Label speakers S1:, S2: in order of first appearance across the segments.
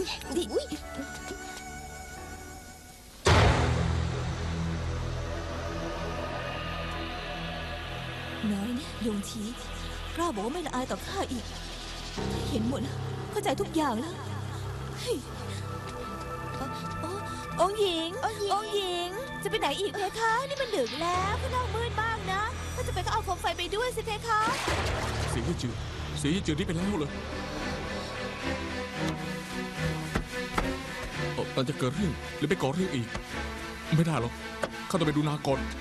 S1: ดิน้อยนะยงชีกล้าบอกว่าไม่ละอายต่อข้าอีกเห็นหมดแล้วเข้าใจทุกอย่างแล้วองค์หญิงองค์หญิงจะไปไหนอีกเพคะนี่มันดึกแล้วข้างนอกมืดมากนะถ้าจะไปก็เอาโคมไฟไปด้วยสิเพคะ
S2: เสียยี่จืดนี่ไปแล้วเลยเราจะเกิดเรื่องหรือไปก่อเรื่องอีกไม่ได้หรอกข้าต้องไปดูนาก่อน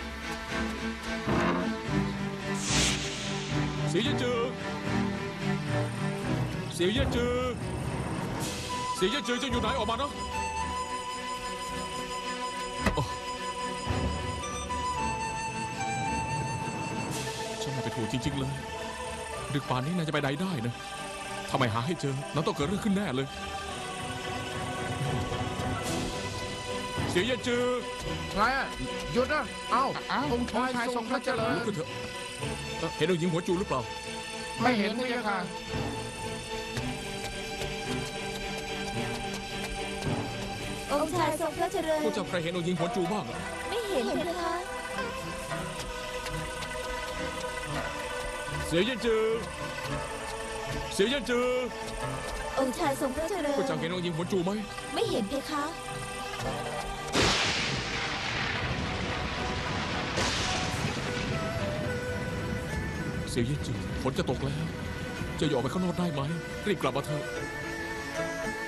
S2: เสียยี่จืดจะอยู่ไหนออกมานะฉันไม่ไปถูกจริงๆเลยดึกป่านนี้นายจะไปไหนได้นะทำไมหาให้เจอน้องต้องเกิดเรื่องขึ้นแน่เลยเสียยี่จืด
S3: ใครอ่ะหยุดนะองค์ชายทรงพระเจริญ
S2: เถอะเห็นองค์หญิงหัวจูหรือเปล่า
S3: ไม่เห็นพระยาค่ะ
S1: องค์ชายทรงพระเจริญ
S2: พวกเจ้าใครเห็นองค์หญิงหัวจูบ้าง
S1: ไม่เห็นเพคะ
S2: เสียยี่จืด
S1: องค์ชายทรงพระเจริญ
S2: พวกเจ้าเห็นองค์หญิงหัวจูไหม
S1: ไม่เห็นเพคะ
S2: เสียยี่จืดฝนจะตกแล้วจะออกไปข้างนอกได้ไหมรีบกลับมาเถอะ